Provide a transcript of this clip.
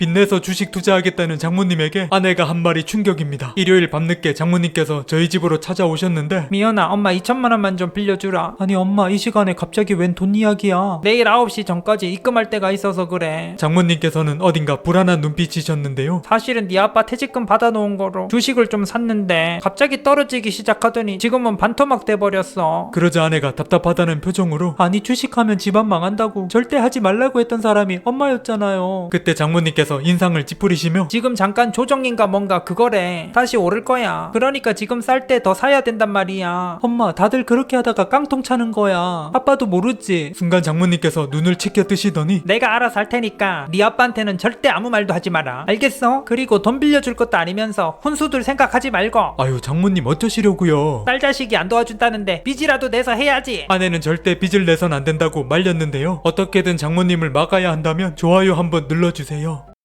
빚내서 주식 투자하겠다는 장모님에게 아내가 한 말이 충격입니다. 일요일 밤늦게 장모님께서 저희 집으로 찾아오셨는데 미연아, 엄마 2천만 원만 좀 빌려주라. 아니 엄마 이 시간에 갑자기 웬 돈 이야기야. 내일 9시 전까지 입금할 때가 있어서 그래. 장모님께서는 어딘가 불안한 눈빛이셨는데요. 사실은 네 아빠 퇴직금 받아놓은 거로 주식을 좀 샀는데 갑자기 떨어지기 시작하더니 지금은 반토막 돼버렸어. 그러자 아내가 답답하다는 표정으로 아니 주식하면 집안 망한다고 절대 하지 말라고 했던 사람이 엄마였잖아요. 그때 장모님께서 인상을 찌푸리시며 지금 잠깐 조정인가 뭔가 그거래. 다시 오를 거야. 그러니까 지금 쌀 때 더 사야 된단 말이야. 엄마 다들 그렇게 하다가 깡통 차는 거야. 아빠도 모르지. 순간 장모님께서 눈을 치켜 뜨시더니 내가 알아서 할 테니까 네 아빠한테는 절대 아무 말도 하지 마라. 알겠어? 그리고 돈 빌려줄 것도 아니면서 혼수들 생각하지 말고. 아유 장모님 어쩌시려고요. 딸 자식이 안 도와준다는데 빚이라도 내서 해야지. 아내는 절대 빚을 내선 안 된다고 말렸는데요. 어떻게든 장모님을 막아야 한다면 좋아요 한번 눌러주세요.